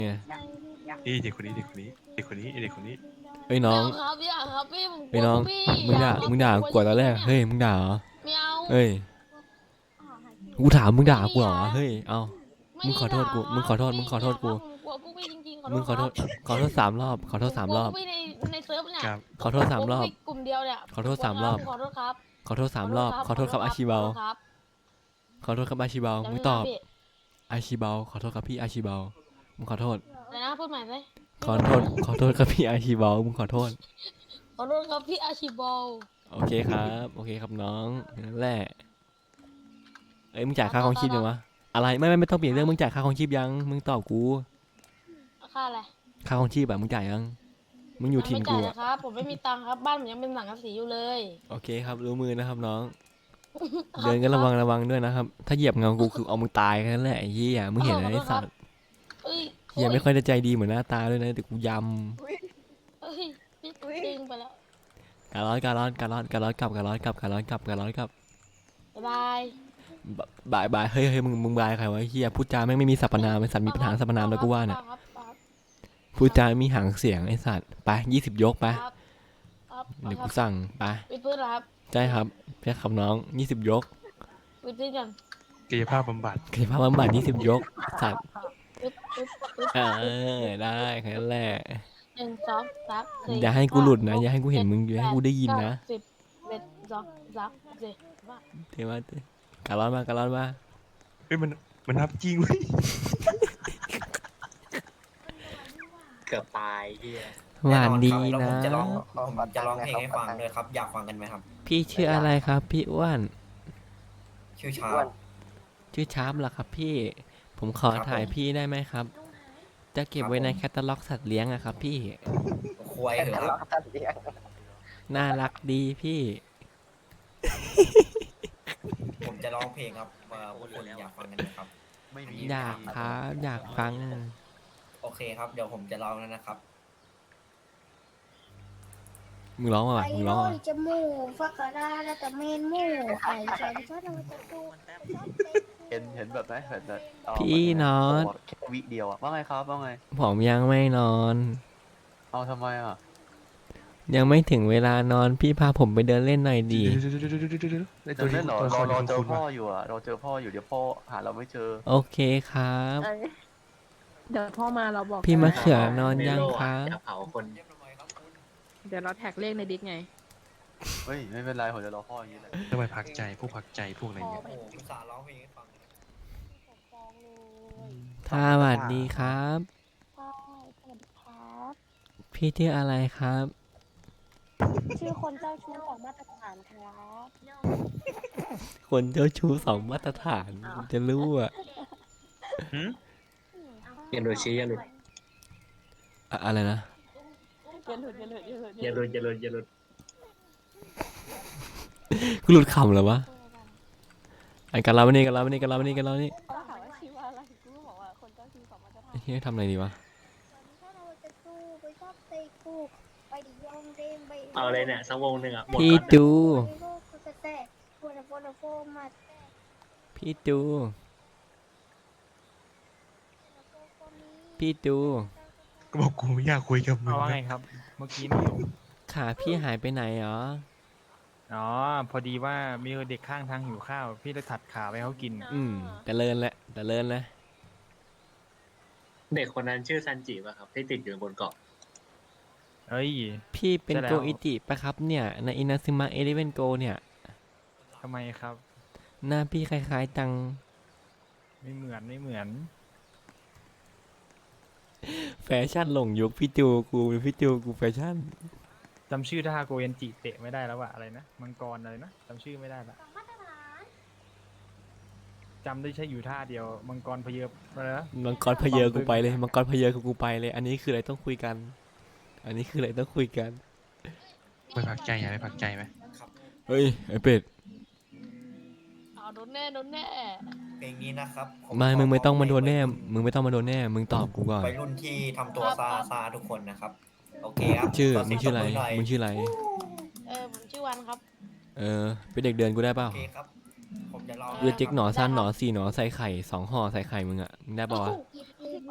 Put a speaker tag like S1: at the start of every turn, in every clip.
S1: ไง
S2: นี่เด็กคนนี้เด็กคนนี้เด็กคนนี้เด็กคนนี้
S1: เอ้ยน้อง
S3: ครับอย่าครับพี่ผมก
S1: เอ้ยน้อง
S3: ลัวพี่
S1: มึงด่า
S3: ครับ
S1: มึงด่า
S3: ผม
S1: กูตอนแรก
S3: เนี่ย
S1: เฮ้ยมึงด่าเหรอ
S3: ไม่เอา
S1: เฮ้ยกูถามมึงด่ากูเหรอเฮ้ยเอา
S3: ไม่
S1: มึงขอโทษกูมึงขอโทษมึงขอโทษกู
S3: ผมกลัวพวกพี่จริงๆขอโท
S1: มึง
S3: ษครับ
S1: ขอโทษ3 รอบขอโทษ3 รอบ
S3: ผมกลัวพวกพี่ในเซิร์ฟเนี่ย
S2: ครับ
S1: ขอโทษ3 รอบ
S3: ผมกลัวพวกพี่กลุ่มเดียวเนี่ย
S1: ขอโทษ3 รอบ
S3: ขอโทษครับ
S1: ขอโทษ3 รอบขอโทษครับอาชิเบาขอโทษครับอาชิเบามึงตอบอาชิเบาขอโทษครับพี่อาชิเบามึงขอโทษ
S3: เดี๋ยวนะพูดใหม่เลย
S1: ขอโทษครับพี่อาชิเบามึงขอโทษ
S3: ขอโทษครับพี่อาชิบอล
S1: โอเคครับโอเคครับน้องนั่นแหละเอ้ยมึงจ่ายค่าครองชีพยังวะอะไรไม่ต้องเปลี่ยนเรื่องมึงจ่ายค่าครองชีพยังมึงตอบกู
S3: ค่าอะไร
S1: ค่าครองชีพแบบมึงจ่ายยังมึงอยู่ถิ่นกู
S3: ไม่จ่ายนะครับผมไม่มีตังค์ครับบ้านผมยังเป็นสังกะสีอยู่เลย
S1: โอเคครับรู้มือนะครับน้องเดินก็ระวังด้วยนะครับถ้าเหยียบเงากูคือเอามึงตายแค่นั้นแหละไอ้เหี้ยมึงเห็นอะไรไอ้สัตว์เหี้ยไม่ค่อยจะใจดีเหมือนหน้าตาด้วยนะแต่กูย
S3: เอ้ยพี่ดึงไปแล้ว
S1: ำการ้อนกลับบายเฮ้ยมึงบายใครวะเหี้ยพูดจาไม่มีสรรพนามไอ้สัตว์มีปัญหาสรรพนามแล้วกูว่าเนี่ยพูดจามีหางเสียงไอ้สัตว์ไป20 ยกไปเดี๋ยวกูสั่งไป
S3: วิดพื้นเหรอครับ
S1: ใช่ครับแค่คำน้อง20 ยก
S3: วิดพื้นก่อน
S2: กายภาพบำบัด
S1: 20 ยกสัตว์ได้แค่นั้นแหละ
S3: 1 2 3 4
S1: อย่าให้กูหลุดนะอย่าให้กูเห็นมึงอย่าให้กูได้ยินนะ
S3: 10 11 12 13 14
S1: เทว่าการ้อนมา
S2: เฮ้ยมันนับจริงเว้ย
S4: เกือบตายเฮีย
S1: หวานดีนะ
S4: ผมจะร้องเพลงให้ฟังด้วยครับอยากฟังกันไหมครับ
S1: พี่ชื่ออะไรครับพี่อ้วน
S4: ชื่อชา
S1: ชื่อชาร์ปเหรอครับพี่ผมขอถ่ายพี่ได้ไหมครับจะเก็บไว้ในแคตตาล็อกสัตว์เลี้ยงอะครับพี่
S4: ควายเหรอครับ
S1: น่ารักดีพี่
S4: ผมจะร้องเพลงครับพวกคุณอยากฟังกันไหมครับ
S1: อยากครับอยากฟัง
S4: โอเคครับเดี๋ยวผมจะร้องแล้วนะครับ
S1: มึงร้องมามึงร้องมา
S5: จมูกฟักกระดาและแต่เมนมูไอ้ฉันชอบเราจะดู
S6: เห็นแบบไหนแบบ
S1: พี่นอน
S6: แค่วิเดียวอะว่าไงครับว่าไง
S1: ผมยังไม่นอน
S6: เอาทำไมอ่ะ
S1: ยังไม่ถึงเวลานอนพี่พาผมไปเดินเล่นหน่อยดี
S6: เดินเล่นเหรอเราเจอพ่ออยู่อะเราเจอพ่ออยู่เดี๋ยวพ่อหาเราไม่เจอ
S1: โอเคครับ
S7: เดี๋ยวพ่อมาเราบอก
S1: พี่มะเขือนอนยังครับ
S4: เผาคน
S7: เดี๋ยวเราแท็กเลขในดิสไง
S6: เฮ้ยไม่เป็นไรผมจะรอพ่ออย่างนี้แหละ
S2: ทำไมพักใจพวกอะไรเงี้ย
S4: อุตส่าห์ร้องเพลงให้ฟัง
S1: สวัสดีครับพี่ชื่ออะไรครับ
S5: ชื่อคนเจ้าชู้ของมาตรฐานครับ
S1: คนเจ้าชู้2 มาตรฐานจะรู้อ่ะ
S4: อย่าหลุดชี้อย่าหลุด
S1: อะไรนะ
S4: อย่าหลุด
S1: กูหลุดคำเหรอวะไอ้กันเรานี่เฮ้ยทำอะไรดีวะ
S4: เอาเลยเนี่ยสักวงหนึ่งอ่ะ
S1: พี่ดู
S2: ก็บอกกูไม่อยากคุยกับมึง
S8: ว่าไงครับเมื่อกี้นี่
S1: ขาพี่หายไปไหนหรอ
S8: อ๋อพอดีว่ามีเด็กข้างทางหิวข้าวพี่เลยถัดขาไปเขากิน
S1: แต่เลินแหละ
S4: เด็กคนนั้นชื่อซันจิป่ะครับที่ติดอยู่บนเกาะ
S8: เอ้ย
S1: พี่เป็นโกอิจิปะครับเนี่ยในอินาซึมะเอเลเวนโกเนี่ย
S8: ทำไมครับ
S1: หน้าพี่คล้ายๆจัง
S8: ไม่เหมือน
S1: แฟชั่นหลงยุคพี่จูกูแฟชั่น
S8: จำชื่อท่าโกเอนจิเตะไม่ได้แล้วว่ะอะไรนะมังกรอะไรนะจำชื่อไม่ได้ละจำได้ใช่อยู่ท่าเดียวมังกรพเยออะไรนะ
S1: มังกรพเยอกูไปเลยมังกรพเยอกูไปเลยอันนี้คืออะไรต้องคุยกัน
S2: ไม่พักใจไม่พักใจไหม
S1: เฮ้ยไอเป็ด
S3: โดนแน่
S4: เพลงนี้นะครับ
S1: มึงไม่ต้องมาโดนแน่มึงตอบกูก่อน
S4: ไปรุ่นที่ทำตัวซาทุกคนนะครับโอเคครับ
S1: มึงชื่ออะไร
S3: ผมชื่อวันครับ
S1: เป็นเด็กเดินกูได้เปล่า
S4: โอเคครับผมจะลอง
S1: เจ๊กหนอสั้นหนอ4หนอใส่ไข่2 ห่อใส่ไข่มึงอ่ะมึงได้ป่าวะ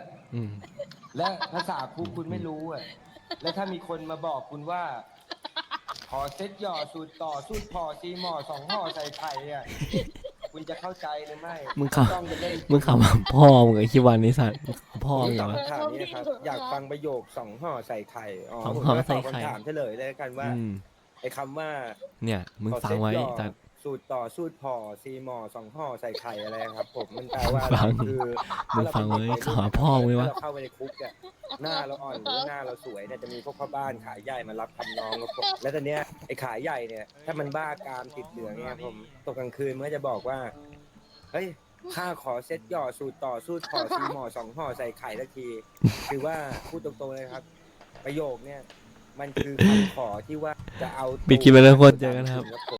S1: อืม
S9: และภาษาคุกคุณไม่รู้อ่ะ แล้วถ้ามีคนมาบอกคุณว่า ขอเซ็ตหย่อสูตรต่อสูตรพอซีหมอ2 ห่อใส่ไข่อ่ะ คุณจะเข้าใจหรือไม่
S1: มึงขับ
S9: ต้องจะเล่น
S1: มึงขับมาพ่อมึงไอ้คิดวันนี้สัตว์พ่อมึงเหรอ
S9: คำถามนี้ครับ อยากฟังประโยค2 ห่อใส่ไข่ อ๋อ
S1: สอง
S9: ผม
S1: ห่อ
S9: จะ
S1: ใส่
S9: ตอบ
S1: ไข่
S9: คำถามเฉลยเลยกันว่า
S1: อืม
S9: ไอ้คำว่า
S1: เนี่ย มึง
S9: ขอ
S1: ฟัง
S9: เซ็ต
S1: ไว้
S9: หย่อ
S1: แต่
S9: สูตรต่อสูตรพอซีหมอ2 ห่อใส่ไข่อะไรครับ ผมมันแปลว่า
S1: ฟัง
S9: คือ
S1: มึงฟังไว้ขาพ่อมึงไว้วะ
S9: ถ้าเราเข้าไปในคุกเนี่ยหน้าเราอ่อนหรือหน้าเราสวยเนี่ยจะมีพวกพ่อบ้านขายใหญ่มารับทำน้องครับผมแล้วตอนเนี้ยไอ้ขายใหญ่เนี่ยถ้ามันบ้ากามติดเหลืองเนี่ยผมตกกลางคืนมันก็จะบอกว่าเฮ้ยข้าขอเซ็ตหย่อสูตรต่อสูตรพอซีหมอ2 ห่อใส่ไข่สักทีคือว่าพูดตรงๆเลยครับ ประโยคเนี่ยมันคือคำขอที่ว่าจะเอา
S1: ปิดคลิปไปแล้วทุกคนเจอกันครับ
S9: ผม